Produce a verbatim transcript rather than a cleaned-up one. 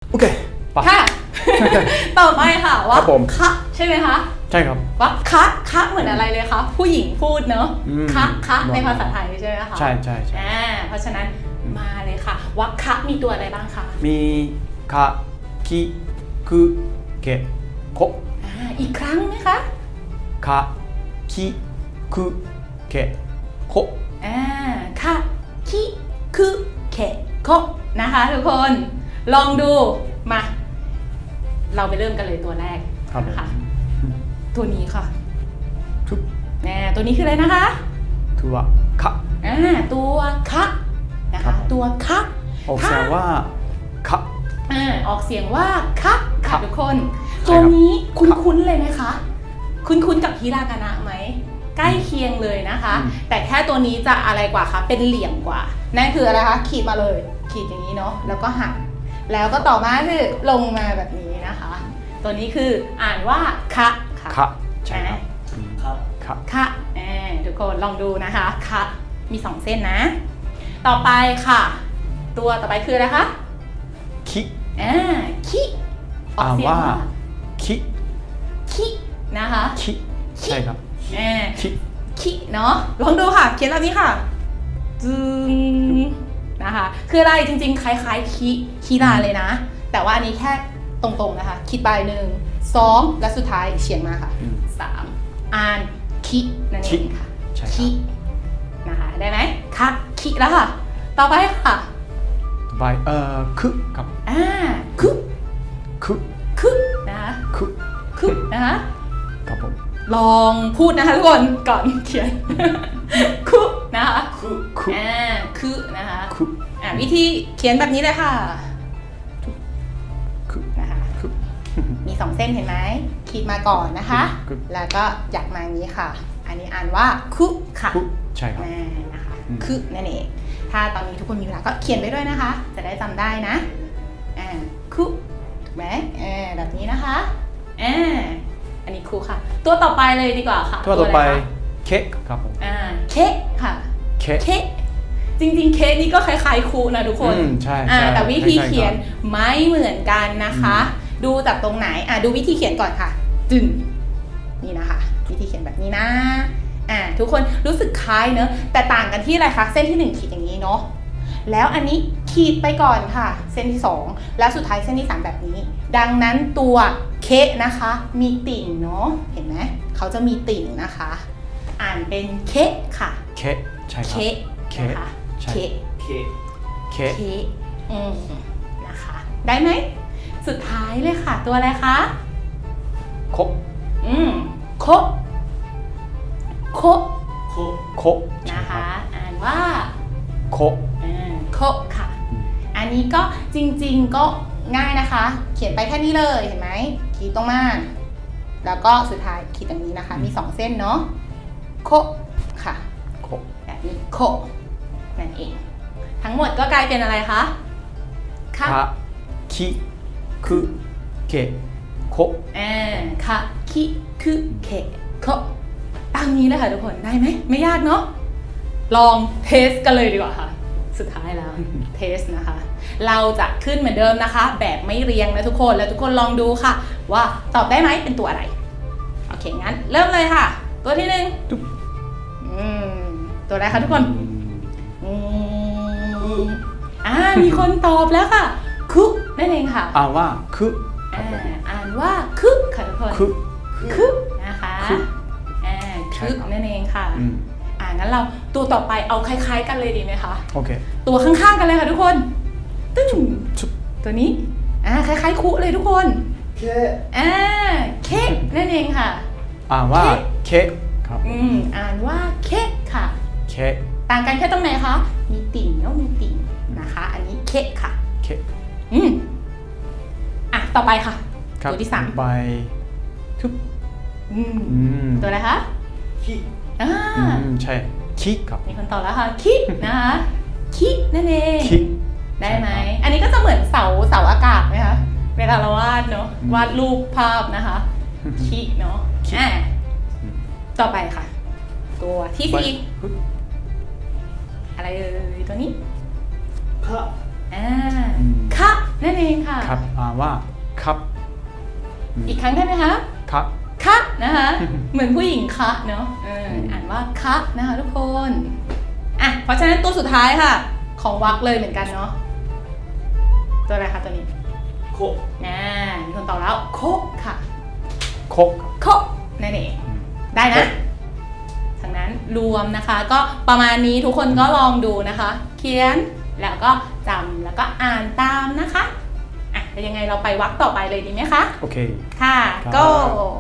โอเคปะค่ะ ต่อไปค่ะว่าครับผมคะใช่ไหมคะใช่ครับว่าคะคะเหมือนอะไรเลยคะผู้หญิงพูดเนอะอืมคะคะบอกในภาษาไทยใช่ไหมคะใช่ใช่ใช่อ่าเพราะฉะนั้นมาเลยค่ะว่าคะมีตัวอะไรบ้างคะมีคะคิคุเกะโคอ่าอีกครั้งไหมคะคะคิคุเกะโคอ่าคะคิคุเคโกนะคะทุกคนลองดูมา เราไปเริ่มกันเลยตัวแรกครับผมนะคะตัวนี้ค่ะทุกแน่ตัวนี้คืออะไรนะคะถือว่าคะอ่าตัวคะนะครัคะบผมตัวคะออกเสียงว่าคะอ่าออกเสียงว่าคะค่ะคะทุกคนใช่ตัวครับนี้คุคะ้นๆเลยไหมคะ คุ้นๆกับฮิรากานะไหมใกล้เคียงเลยนะคะอืมแต่แค่ตัวนี้จะอะไรกว่าคะเป็นเหลี่ยมกว่า นั่นคืออะไรคะขีดมาเลย ขีดอย่างนี้เนาะแล้วก็หักแล้วก็ต่อมาคือลงมาแบบนี้นะคะ ตัวนี้คืออ่านว่าคะค่ะคะใช่ครับครับคะคะแหมทุกคนลองดูนะคะคะมีสองเส้นนะ ต่อไปค่ะ ตัวต่อไปคืออะไรคะคิอ่าคิออกเสียงอ่านว่าว่า คิคินะคะคิใช่ครับแหมคิคิเนาะลองดูค่ะ เขียนแบบนี้ค่ะจึงนะคะคืออะไรจริงๆ คล้ายๆคิคิราเลยนะ แต่ว่าอันนี้แค่ตรงๆนะคะ คิดไปหนึ่งสองและสุดท้ายเฉียงมาค่ะอืมสามอ่านคินั่นเองค่ะใช่ครับคินะคะได้ไหมคะคิแล้วค่ะ ต่อไปค่ะต่อไปเอ่อคุครับอ่าคุคุคุนะคะคุคุนะคะครับผมลองพูดนะคะทุกคนก่อนเขียน คุนะคะคือคุอ่าคุนะคะคุอ่าวิธีเขียนแบบนี้เลยค่ะคุนะคะคุมีสองเส้นเห็นไหมขีดมาก่อนนะคะคุแล้วก็หยักมาอย่างนี้ค่ะ อันนี้อ่านว่าคุค่ะคุใช่ครับอ่านะคะอืมคุนั่นเองถ้าตอนนี้ทุกคนมีเวลาก็เขียนไปด้วยนะคะ จะได้จำได้นะอ่าคุถูกไหมอ่าแบบนี้นะคะอ่าอันนี้คุค่ะ ตัวต่อไปเลยดีกว่าค่ะตัวต่อไปะรคะเค้กครับผมอ่าเค้กค่ะเค้กเค้กจริงๆเค้กนี่ก็คล้ายๆคุนะทุกคนอืมใช่อ่าใช่แต่วิธีคล้ายๆเขียนไม่เหมือนกันนะคะ ดูจากตรงไหนอ่ะดูวิธีเขียนก่อนค่ะจึงนี่นะคะ วิธีเขียนแบบนี้นะอ่าทุกคนรู้สึกคล้ายเนอะแต่ต่างกันที่อะไรคะเส้นที่หนึ่งขีดอย่างนี้เนาะแล้วอันนี้ขีดไปก่อนค่ะ เส้นที่สองแล้วสุดท้ายเส้นที่สามแบบนี้ ดังนั้นตัวเคะนะคะ มีติ่งเนาะเห็นไหมเขาจะมีติ่งนะคะ อ่านเป็นเคะค่ะเค้กใช่ครับเคะเคะนะคะใช่เคะเคเค้กเคะอืมนะคะ ได้ไหมสุดท้ายเลยค่ะ ตัวอะไรคะโคอืมโคโคโคโคใช่นะครัคะบอ่านว่าโคอ่าโคค่ะอืมอันนี้ก็จริงๆก็ง่ายนะคะ เขียนไปแค่นี้เลยเห็นไหมขีดตรงมา แล้วก็สุดท้ายขีดตรงนี้นะคะ มีสองเส้นเนาะโคค่ะโคแบบนี้โคนั่นเอง ทั้งหมดก็กลายเป็นอะไรคะค่ะคะคิคุเกะโคอ่าค่ะคิคุเคโคตามนี้เลยค่ะทุกคนได้ไหมไม่ยากเนาะลองเทสกันเลยดีกว่าค่ะ สุดท้ายแล้ว เทสนะคะ เราจะขึ้นเหมือนเดิมนะคะ แบบไม่เรียงนะทุกคนแล้วทุกคนลองดูค่ะ ว่าตอบได้ไหมเป็นตัวอะไรโอเคงั้นเริ่มเลยค่ะ ตัวที่หนึ่งตุ๊บอืมตัวอะไรคะทุกคนอืมอืมอ่ามีคนตอบแล้วค่ะคุนั่นเองค่ะอ่านว่าคุครัอ่าบผมอ่านว่าคึค่ะทุกคนคุคึนะคะคึอ่าใช่คึครับนั่นเองค่ะอืมอ่างั้นเราตัวต่อไปเอาคล้ายๆกันเลยดีไหมคะโอเคตัวข้างๆกันเลยค่ะทุกคนตึ้งชุบตัวนี้อ่าคล้ายๆคุเลยทุกคนเคอ่าเค้กนั่นเองค่ะอ่านว่าเค้กครับอืมอ่านว่าเค้กค่ะเค้กต่างกันแค่ตรงไหนคะมีติ่งแล้วมีติ่งนะคะ อันนี้เค้กค่ะเค้กอืมอ่ะต่อไปค่ะครับตัวที่สามไปทุบอืมอืมตัวอะไรคะคิอ่าอืมใช่คิครับมีคนตอบแล้วค่ะคินะคะคินั่นเองคิได้ไหมใช่ครับอันนี้ก็จะเหมือนเสาเสาอากาศไหมคะเวลาเราวาดเนาะอืมวาดรูปภาพนะคะคิเนาะคิอ่ะอืมต่อไปค่ะ ตัวที่ไปสี่ฮึบอะไรเอ่ยตัวนี้คะอ่าอืมคะนั่นเองค่ะครับอ่านว่าครับอีกครั้งได้ไหมคะครับคะนะคะ เหมือนผู้หญิงคะเนาะเอออ่านว่าคะนะคะทุกคนอ่ะเพราะฉะนั้นตัวสุดท้ายค่ะ ของวรรคเลยเหมือนกันเนาะตัวอะไรคะตัวนี้โคน่ามีคนตอบแล้วโคค่ะโคโคนั่นเองได้นะทางนั้นรวมนะคะ ก็ประมาณนี้ทุกคนก็ลองดูนะคะ เขียนแล้วก็จำแล้วก็อ่านตามนะคะอ่ะแล้วยังไงเราไปวรรคต่อไปเลยดีไหมคะโอเคค่ะครับ go